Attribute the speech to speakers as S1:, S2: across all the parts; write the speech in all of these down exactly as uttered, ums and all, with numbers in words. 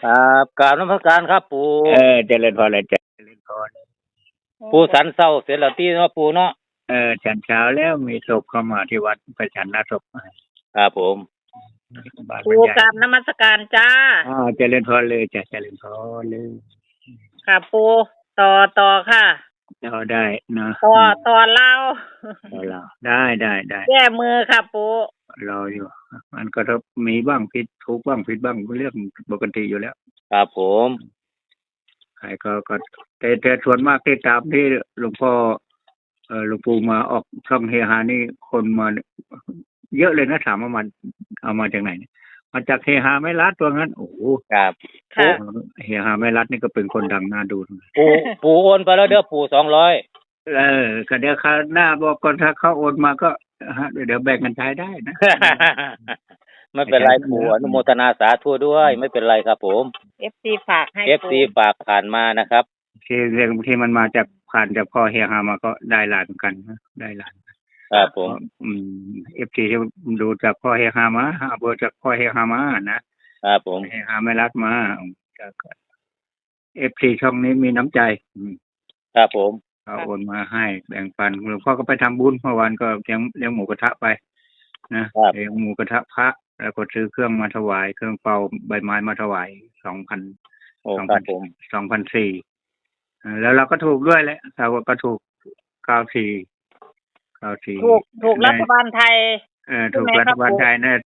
S1: ครับกราบนมัสการครับปู่
S2: เออเจริญพรเลยเจริญพร
S1: ปู่สันเศร้าเสร็จแล้วตีเนาะปู่เนาะ
S2: เออฉันเช้าแล้วมีศพเข้ามาที่วัดไปฉันหน้าศพ
S1: ครับผม
S2: บ้านบร
S3: ปู
S2: รยาย
S3: กราบนมัสการจ้า
S2: อ่าเจริญพรเลยจ้ะเจริญพรเลย
S3: ค่ะปูต่อต่อค่ะ
S2: เราได้นะ
S3: ต่อต่อเล่า
S2: เราได้ได้ได้
S3: แก้มือค่ะปู
S2: รออยู่ มันก็ต้องมีบ้างผิดถูกบ้างผิดบ้างเรื่องปกติอยู่แล้ว
S1: ครับผม
S2: ใครก็ก็แต่แต่ส่วนมากที่ตามที่หลวงพ่อเออหลวงปู่มาออกช่องเฮฮานี่คนมาเยอะเลยนะถามว่ามันเอามาจากไหนเนี่ยมาจากเฮฮาไม่รัดตัวนั้นโอ้โห
S1: ครับ
S3: ค่ะ
S2: เฮฮาไม่รัดนี่ก็เป็นคนดังน่าดู
S1: ปู่ปู่โอนไปแล้วเด้อปู่สองร้อย
S2: เออก็เดี๋ยวคราวหน้าบอกก่อนถ้าเขาโอนมาก็ฮะเดี๋ยวแบ่งกันใช้ได้นะ
S1: ไม่เป็นไรปู่อนุโมทนาสาธุด้วย ไม่เป็นไรครับผม
S3: เอฟซีฝากให้
S1: เอฟซีฝากผ่านมานะครับ
S2: ที่เรื่องที่มันมาจากผ่านจากพ่อเฮฮามาก็ได้หลานกันนะได้หลาน
S1: ครับผม
S2: อืมเอฟซีที่ดูจากพ่อเฮฮามาหาเบอร์จากพ่อเฮฮามานะครับ
S1: ผม
S2: เฮฮาไม่รักมาเอฟซีช่องนี้มีน้ำใจอืม
S1: ครับผม
S2: เขาโอนมาให้แบ่งปันหลวงพ่อก็ไปทำบุญเมื่อวานก็เลี้ยงเลี้ยงหมูกระทะไปนะเลี้ยงหมูกระทะพระแล้วก็ซื้อเครื่องมาถวายเครื่องเป่าใบไม้มาถวายสองพัน
S1: โอ้
S2: สอง
S1: ค
S2: พั
S1: รั
S2: น
S1: บผม
S2: สองพันสี่แล้วเราก็ถูกด้วยแหละเราก็ถูกเก้าสี่เก้าสี่
S3: ถูกถูกรัฐบาลไทย
S2: เออถูกรัฐบาลไทยนะ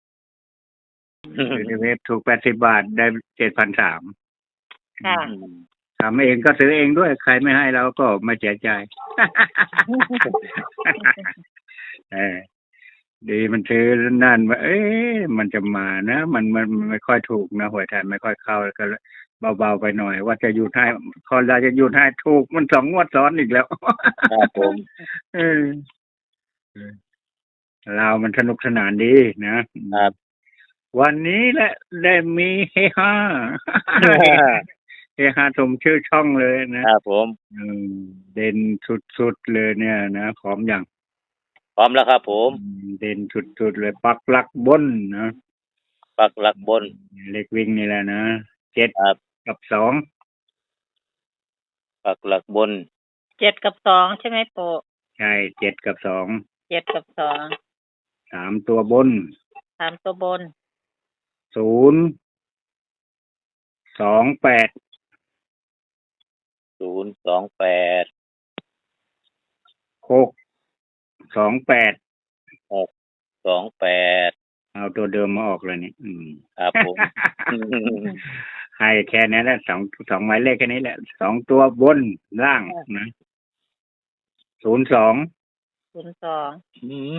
S2: ในเว็บถูกแปดสิบบาทได้เจ็ดพันสาม
S3: ค่ะ
S2: ทำเองก็ซื้อเองด้วยใครไม่ให้เราก็ไม่เสียใจ เออดีมันซื้อนั่นว่าเอ๊ะมันจะมานะมันมันมันไม่ค่อยถูกนะหวยไทยไม่ค่อยเข้าก็เบาๆไปหน่อย ว่าจะอยู่ให้คอนเราจะอยู่ให้ถูกมันสองงวดซ้อนอีกแล้ว
S1: ครับผม
S2: เออเรามันสนุกสนานดีนะครับ วันนี้แหละได้มีเฮฮา เฮฮาสมชื่อช่องเลยนะครับ
S1: ผม
S2: อืมเด่นสุดๆเลยเนี่ยนะพร้อมอย่าง
S1: พร้อมแล้วครับผม
S2: เด่นสุดๆเลยปักหลักบนนะ
S1: ปักหลักบน
S2: เล็กวิ่งนี่แหละนะเจ็ด
S1: ครับ
S2: กับสอง
S1: ปักหลักบน
S3: เจ็ดกับสองใช่ไหมปู
S2: ใช่เจ็ดกับสอง
S3: เจ็ดกับสอง
S2: สามตัวบน
S3: สามตัวบน
S2: ศูนย์สองแปด
S1: ศูนย์สองแปด
S2: หกสองแปด
S1: หกสองแปด
S2: เอาตัวเดิมมาออกเลยนี่อืม
S1: ครับผม
S2: ให้แค่นี้แหละสองสองหมายเลขแค่นี้แหละสองตัวบนล่างนะศูนย์สอง
S3: ศูนย์สอง
S1: อืม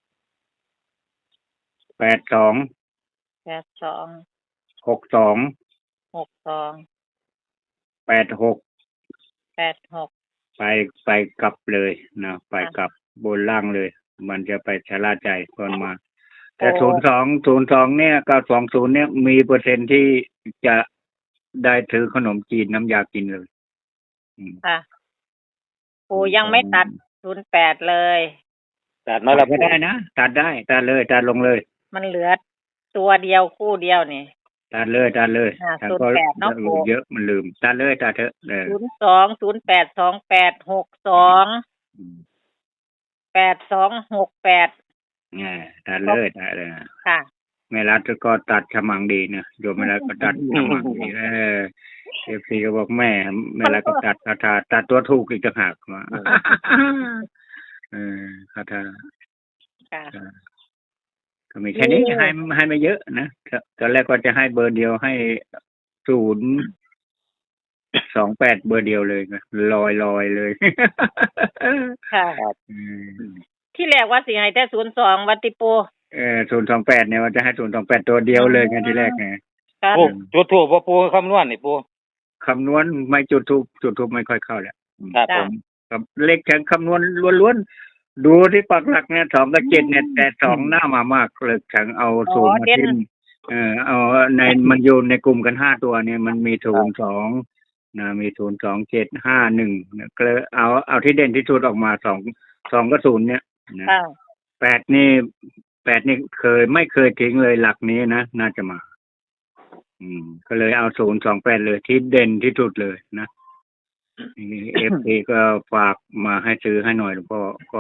S2: แปดสอง
S3: แปดสอง
S2: หกสอง
S3: หกสอง
S2: แปดหก
S3: แปดหก
S2: ไปไปกลับเลยนะไปกลับบนล่างเลย มันจะไปชะล่าใจก่อนมา แต่ศูนย์สองศูนย์สองเนี่ยกับสองศูนย์เนี่ยมีเปอร์เซ็นต์ที่จะได้ถือขนมจีนน้ำยากินเลยอืม
S3: ค่ะปูยังไม่ตัดศูนย์แปดเลย
S1: ตัดมาแล้ว
S2: ก็ได้นะตัดได้ตัดเลยตัดลงเลย
S3: มันเหลือตัวเดียวคู่เดียวนี่
S2: ตัดเลยตัดเลย
S3: อ่า
S2: ถ้า
S3: ศูนย์
S2: ก็
S3: แปดเนาะ
S2: ลืมเยอะมันลืมตัดเลยตัดเถอะเออ
S3: ศูนย์สองศูนย์แปดสองแปดหกสองแปดสองหกแปด
S2: อ่าตัดเลยตัดเลย
S3: ค่ะ
S2: แม่รัฐก็ตัดฉมังดีนะโยมแม่รัฐก็ตัดฉมังดีเออเอฟซีก็บอกแม่แม่รัฐก็ตัดคาถาตัดตัวถูกอีกต่างหากมาเออคาถา
S3: ค่ะ
S2: ก็มีแค่นี้ให้ให้ไม่เยอะนะตอนแรกก็จะให้เบอร์เดียวให้ศูนย์สองแปดเบอร์เดียวเลยนะลอยลอยเลย
S3: ค่ะ
S2: อืม
S3: ที่แรกว่าสิให้แต่ศูนย์สองวัติปู
S2: เออศูนย์สองแปดเนี่ยว่าจะให้ศูนย์สองแปดตัวเดียวเลยไงที่แรกไง
S3: ค่ะ
S1: ปูจุดถูกว่าปูคำนวณนี่ปู
S2: คำนวณไม่จุดทูบจุดทูบไม่ค่อยเข้าแหละ
S1: ครับผม
S2: กับเลขแข่งคำนวณล้วนๆดูที่ปักหลักเนี่ยสองกับเจ็ดเนี่ยแต่สองหน้ามามากเลยแข่งเอาศูนย์มาทิ้มเออเอาในมันอยู่ในกลุ่มกันห้าตัวเนี่ยมันมีศูนย์สองนะมีศูนย์สองเจ็ดห้าหนึ่งก็เลยเอาเอาที่เด่นที่สุดออกมาสองสองกับศูนย์เนี่ยนะ
S3: ค่ะ
S2: แปดนี่แปดนี่เคยไม่เคยทิ้งเลยหลักนี้นะน่าจะมาอืม ก็เลยเอาศูนย์สองแปดเลยที่เด่นที่สุดเลยนะเอฟซีก็ฝากมาให้ซื้อให้หน่อยหลวงพ่อก็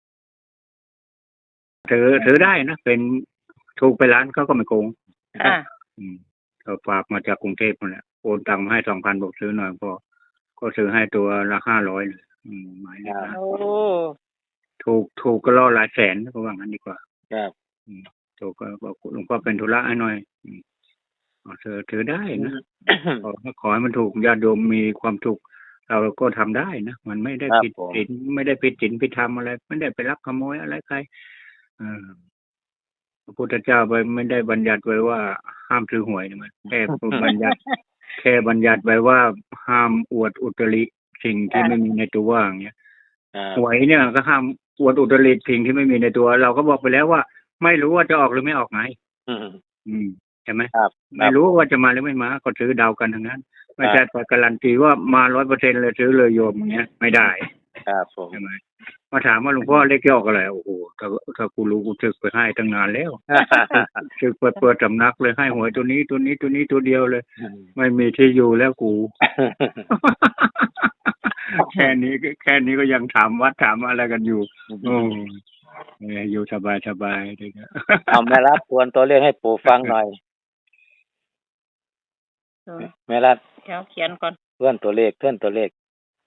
S2: ถือถือได้นะเป็นถูกไปร้านเขาก็ไม่โกง
S3: ค่ะ
S2: อืมก็ฝากมาจากกรุงเทพนั่นแหละโอนตังค์มาให้สองพันบอกซื้อหน่อยพอก็ซื้อให้ตัวละห้าร้อยเลยอืมหมายเลขนะ
S3: โอ้
S2: ถูกถูกก็ล่อหลายแสนก็ว่างั้นดีกว่า
S1: ครับ
S2: อืมถูกก็บอกหลวงพ่อเป็นธุระให้หน่อยอืมเอาเธอถือได้นะขอขอให้มันถูกญาติโยมมีความถูกเราก็ทำได้นะมันไม่ได้
S1: ครับ
S2: ผิด
S1: ผม
S2: ศีลไม่ได้ผิดศีลผิดธรรมอะไร ไม่ได้ไปลักขโมยอะไรใครเออพระพุทธเจ้าไปไม่ได้บัญญัติไว้ว่าห้ามถือหวยนะมันแค่บัญญัติ แค่บัญญัติไว้ว่าห้ามอวดอุตริสิ่งที่ไม่มีในตัวอย่างเงี้ย
S1: ครับ
S2: หวยเนี่ยก็ห้ามอวดอุตริสิ่งที่ไม่มีในตัว เราก็บอกไปแล้วว่าไม่รู้ว่าจะออกหรือไม่ออกไง
S1: อืม
S2: อืมใช่ไหม
S1: ครับ
S2: ไม่รู้ว่าจะมาหรือไม่มาก็ซื้อเดากันทั้งนั้น ไม่ใช่ไปการันตีว่ามาร้อยเปอร์เซ็นต์เลยซื้อเลยโยมอย่างเงี้ยไม่ได้
S1: ครับผม
S2: ใช่ไหมมาถามว่าหลวงพ่อเลขที่ออกอะไรโอ้โหถ้าถ้ากูรู้กูถึกไปให้ตั้งนานแล้วถึกไปเปิดสำนักเลยให้หวยตัวนี้ตัวนี้ตัวนี้ตัวเดียวเลย ไม่มีที่อยู่แล้วกู แค่นี้ก็แค่นี้ก็ยังถามวัดถามอะไรกันอยู่ โอ้เอออยู่สบายสบายๆเลยนะ
S1: เอาแม่รัดทวนตัวเลขให้ปู่ฟังหน่อย แม่รัด
S3: เดี๋ยวเขียนก่อน
S1: เพื่อนตัวเลขเพื่อนตัวเลข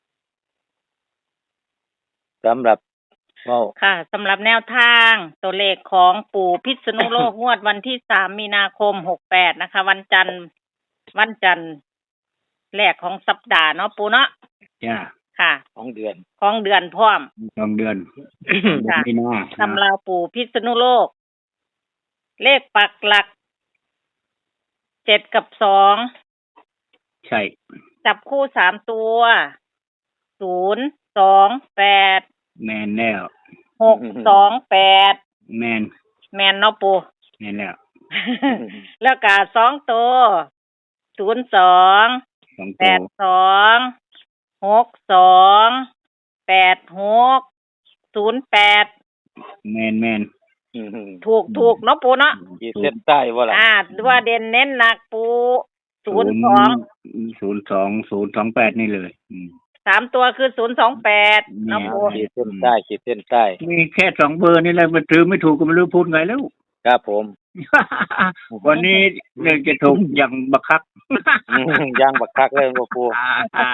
S1: สำหรับเว้า
S3: ค่ะสำหรับแนวทางตัวเลขของปู่พิษณุโลก งวดวันที่สามมีนาคมหกแปดนะคะ วันจันทร์วันจันทร์แรกของสัปดาห์เนาะปู่เนาะ
S2: จ้า
S3: ค่ะ
S1: ของเดือน
S3: ของเดือนพร้อม
S2: สองเดือน
S3: ค่ะ
S2: ไม่น่า
S3: ตำราปู่พิษณุโลก เลขปักหลักเจ็ดกับสอง
S2: ใช่
S3: จับคู่สามตัวศูนย์สองแปด
S2: แมนแล้ว
S3: หกสองแปด
S2: แมน
S3: แมนเนาะปู่
S2: แมนแล้ว
S3: แล้วก็สองตัวศูนย์สอง
S2: สอง
S3: แป
S2: ตัว
S3: ดสองหกสองแปดหกศูนย์แปด
S2: แมนแมน
S3: ถูกถูกเนาะปูเนาะ
S1: ขีดเส้นใต้ว่าล่ะ
S3: อ่าว่าเด่นเน้นหนักปูศูนย์สอง
S2: ศูนย์สองศูนย์สองแปดนี่เลยอืม
S3: สามตัวคือศูนย์สองแปดเนาะปู
S1: ขีดเส้นใต้ขีดเส้นใต้
S2: มีแค่สองเบอร์นี่แหละมันถือไม่ถูกก็ไม่รู้พูดไงแล้ว
S1: ครับผม
S2: วันนี้เรื่องจะถูกอย่างบักคัก
S1: อืมย่างบักคักเลยบ่ปู่
S2: อ่า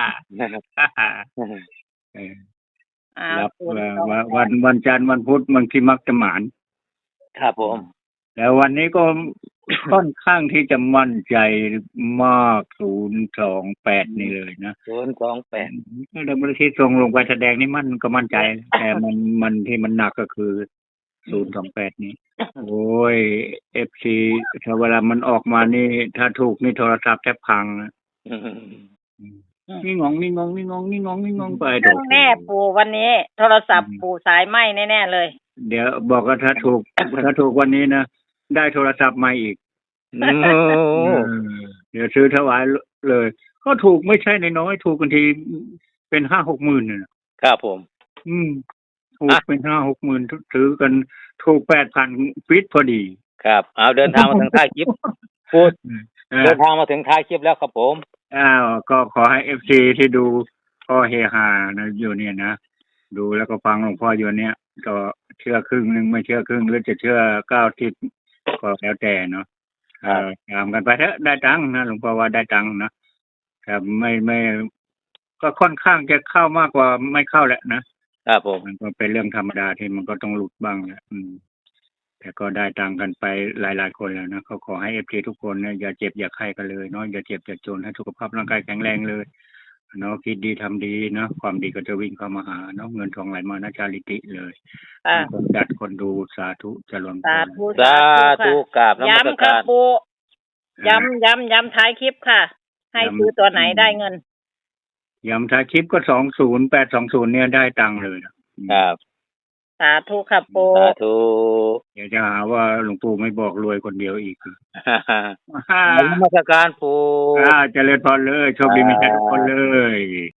S2: เออ
S3: อ่า
S2: รับ
S3: ศูนย์
S2: เอ่อ
S3: สอง
S2: วัน
S3: แป
S2: วั
S3: ด
S2: นวันจันทร์วันพุธบางทีมักจะหมาน
S1: ครับผม
S2: แล้ววันนี้ก็ ค่อนข้างที่จะมั่นใจมากศูนย์สองแปดนี่เลยนะ
S1: ศูนย์สองแปด
S2: แล้วบริษัทส่งลงไปแสดงนี่มันก็มั่นใจ แต่มันมันที่มันหนักก็คือศูนย์สองแปดนี่ โอ้ยเอฟซีถ้าเวลามันออกมานี่ ถ้าถูกนี่โทรศัพท์แทบพังนะ
S1: อืม
S2: นี่งงนี่งงนี่งงนี่งงนี่งงไป
S3: เครื่องแน่ปูวันนี้ โทรศัพท์ปูสายไหมแน่ๆเลย
S2: เดี๋ยวบอกว่าถ้าถูก ถ้าถูกวันนี้นะได้โทรศัพท์ใหม่อีก
S1: โอ้
S2: เออเดี๋ยวซื้อถวายเลย ก็ถูกไม่ใช่น้อยๆถูกกันทีเป็นห้าหกหมื่นน่ะ
S1: ครับผม
S2: อืมถูกเป็นห้าหกหมื่นซื้อกันถูกแปดพันฟิตพอดี
S1: ครับเอาเดินทางมาถึงท้ายคลิปพูด
S2: เออ
S1: เดินทางมาถึงท้ายคลิปแล้วครับผม
S2: อ้าวก็ขอให้เอฟซีที่ดูพ่อเฮฮานะอยู่เนี่ยนะดูแล้วก็ฟังหลวงพ่ออยู่เนี่ยก็เชื่อครึ่งหนึ่งไม่เชื่อครึ่งหรือจะเชื่อเก้าทิศก็แล้วแต่เนาะเออตามกันไปเถอะได้ตังค์นะหลวงพ่อว่าได้ตังค์นะแต่ไม่ไม่ ก็ค่อนข้างจะเข้ามากกว่าไม่เข้าแหละนะครับ
S1: ผม
S2: มันก็เป็นเรื่องธรรมดาที่มันก็ต้องหลุดบ้างแหละอืม แต่ก็ได้ตังค์กันไปหลายๆคนแล้วนะก็ขอให้เอฟซีทุกคนเนี่ยอย่าเจ็บอย่าไข้กันเลยเนาะอย่าเจ็บอย่าจนให้สุขภาพร่างกายแข็งแรงเลยเนาะคิดดีทำดีเนาะความดีก็จะวิ่งเข้ามาหาเนาะเงินทองไหลมานะจาริติเลย
S3: อ่า
S2: คนจัดคนดูสาธุเจริญพ
S3: สาร ธุ
S1: สาธุกราบนมัส
S3: ย้ำค
S1: การ
S3: รับปูย้ำย้ำย้ำท้ายคลิปค่ะ ให้ซื้อตัวไหนได้เงิน
S2: ย้ำท้ายคลิปก็สองศูนย์แปดสองศูนย์เนี่ยได้ตังค์เลยนะครับ
S3: สาธุครับปู
S1: สาธุ
S2: เดี๋ยวจะหาว่าหลวงปู่ไม่บอกรวยคนเดียวอีก
S1: นมัสการปู่
S2: อ่าเจริญพรเลยโชคดีมีใจทุกคนเลย